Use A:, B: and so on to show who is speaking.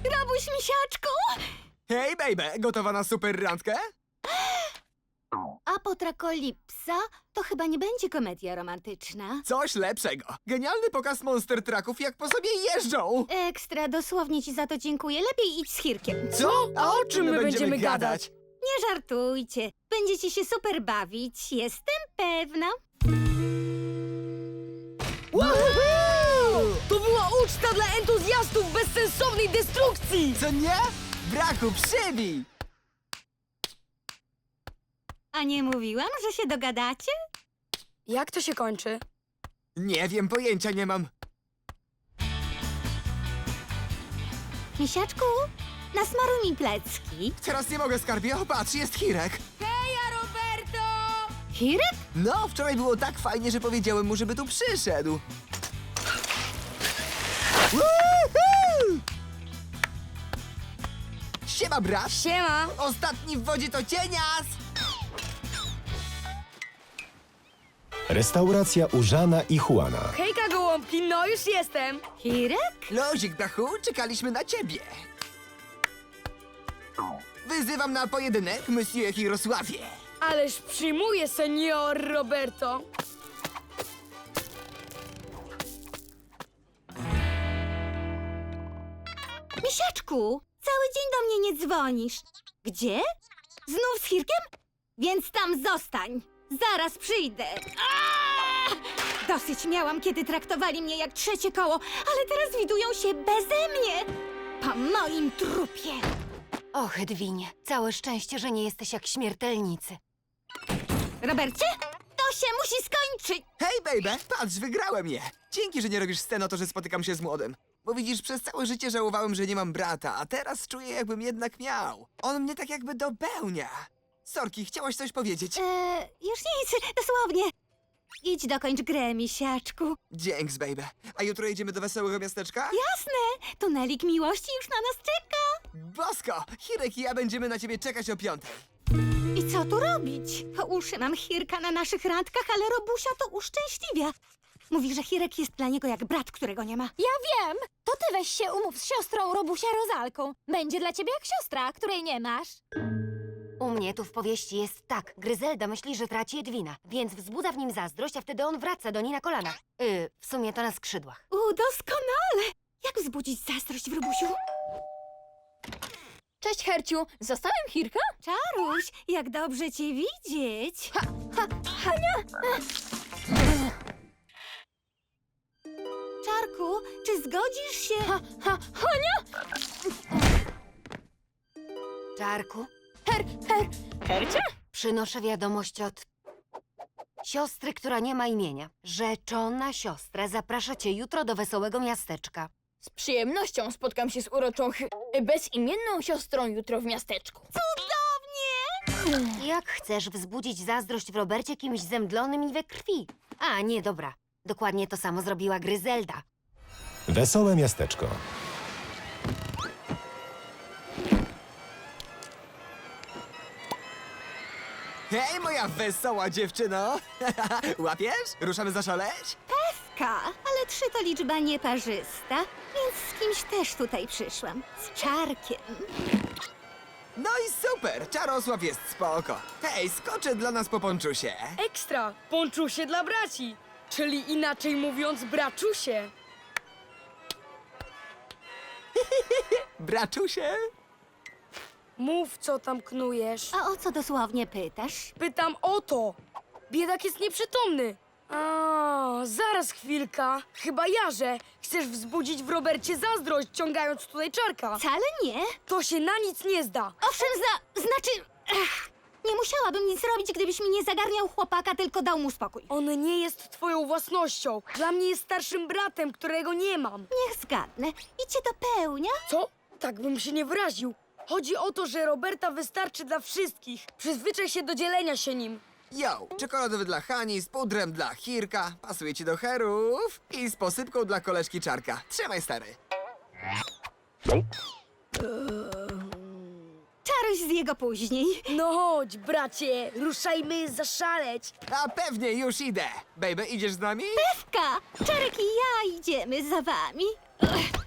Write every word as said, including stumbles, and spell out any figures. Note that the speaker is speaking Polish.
A: Robuś, misiaczku!
B: Hej, baby, gotowa na super randkę?
A: Apotrakolipsa to chyba nie będzie komedia romantyczna.
B: Coś lepszego. Genialny pokaz monster trucków, jak po sobie jeżdżą.
A: Ekstra, dosłownie ci za to dziękuję. Lepiej idź z Hirkiem.
B: Co?
C: A o czym my będziemy gadać?
A: Nie żartujcie. Będziecie się super bawić, jestem pewna.
C: Woohoo! To była uczta dla entuzjastów bezsensownej destrukcji!
B: Co nie? Braku, przybij!
A: A nie mówiłam, że się dogadacie?
C: Jak to się kończy?
B: Nie wiem, pojęcia nie mam.
A: Misiaczku, nasmaruj mi plecki.
B: Teraz nie mogę, skarbie. O, patrz, jest Hirek.
C: Heja, Roberto!
A: Hirek?
B: No, wczoraj było tak fajnie, że powiedziałem mu, żeby tu przyszedł. Woohoo! Siema, brat.
C: Siema!
B: Ostatni w wodzie to cienias.
D: Restauracja u Żana i Juana.
C: Hejka, gołąbki, no już jestem!
A: Hirek?
B: Lozik, brachu, czekaliśmy na ciebie. Wyzywam na pojedynek, Monsieur Hirosławie.
C: Ależ przyjmuję, senior Roberto!
A: Misiaczku, cały dzień do mnie nie dzwonisz. Gdzie? Znów z Hirkiem? Więc tam zostań. Zaraz przyjdę. Aaaa! Dosyć miałam, kiedy traktowali mnie jak trzecie koło, ale teraz widują się beze mnie. Po moim trupie.
E: Och, Edwinie, całe szczęście, że nie jesteś jak śmiertelnicy.
A: Robercie, to się musi skończyć.
B: Hej, baby, patrz, wygrałem je. Dzięki, że nie robisz scen o to, że spotykam się z młodym. Bo widzisz, przez całe życie żałowałem, że nie mam brata, a teraz czuję, jakbym jednak miał. On mnie tak jakby dopełnia. Sorki, chciałaś coś powiedzieć?
A: Eee, już nic, dosłownie. Idź dokończ grę, misiaczku.
B: Dzięks, baby. A jutro jedziemy do wesołego miasteczka?
A: Jasne, tunelik miłości już na nas czeka.
B: Bosko, Hirek i ja będziemy na ciebie czekać o piątej.
A: I co tu robić? Po uszy mam Hirka na naszych randkach, ale Robusia to uszczęśliwia. Mówi, że Hirek jest dla niego jak brat, którego nie ma.
F: Ja wiem! To ty weź się umów z siostrą Robusia Rozalką. Będzie dla ciebie jak siostra, której nie masz.
E: U mnie tu w powieści jest tak. Gryzelda myśli, że traci Edwina, więc wzbudza w nim zazdrość, a wtedy on wraca do niej na kolanach. Yy, w sumie to na skrzydłach.
A: U, doskonale! Jak wzbudzić zazdrość w Robusiu?
F: Cześć, Herciu. Zostałem Hirka?
A: Czaruś, jak dobrze cię widzieć.
F: Ha, ha, Hania!
A: Czarku, czy zgodzisz się...
F: Ha, ha, Hania!
E: Czarku,
F: Her, her, Hercia?
E: przynoszę wiadomość od siostry, która nie ma imienia. Rzeczona siostra zaprasza cię jutro do wesołego miasteczka.
F: Z przyjemnością spotkam się z uroczą, ch- bezimienną siostrą jutro w miasteczku.
A: Cudownie!
E: Jak chcesz wzbudzić zazdrość w Robercie kimś zemdlonym i we krwi? A, nie, dobra. Dokładnie to samo zrobiła Gryzelda.
D: Wesołe miasteczko.
B: Hej, moja wesoła dziewczyno! Łapiesz? Ruszamy zaszaleć?
A: Pewka, ale trzy to liczba nieparzysta, więc z kimś też tutaj przyszłam. Z Czarkiem.
B: No i super! Czarosław jest spoko. Hej, skoczę dla nas po ponczusie.
C: Ekstra! Ponczusie dla braci! Czyli inaczej mówiąc, braczusie!
B: Braczusie?
C: Mów, co tam knujesz.
A: A o co dosłownie pytasz?
C: Pytam o to! Biedak jest nieprzytomny! A, zaraz chwilka. Chyba jarze. Chcesz wzbudzić w Robercie zazdrość, ciągając tutaj Czarka.
A: Wcale nie.
C: To się na nic nie zda.
A: Owszem, za... znaczy... Ech, nie musiałabym nic robić, gdybyś mi nie zagarniał chłopaka, tylko dał mu spokój.
C: On nie jest twoją własnością. Dla mnie jest starszym bratem, którego nie mam.
A: Niech zgadnę. I cię dopełnia?
C: Co? Tak bym się nie wyraził. Chodzi o to, że Roberta wystarczy dla wszystkich. Przyzwyczaj się do dzielenia się nim.
B: Yo, czekoladowy dla Hani, z pudrem dla Hirka, pasuje ci do herów i z posypką dla koleżki Czarka. Trzymaj, stary.
A: Czaruś z jego później.
C: No chodź, bracie, ruszajmy zaszaleć.
B: A pewnie, już idę. Baby, idziesz z nami?
A: Pewka, Czarek i ja idziemy za wami. Ech,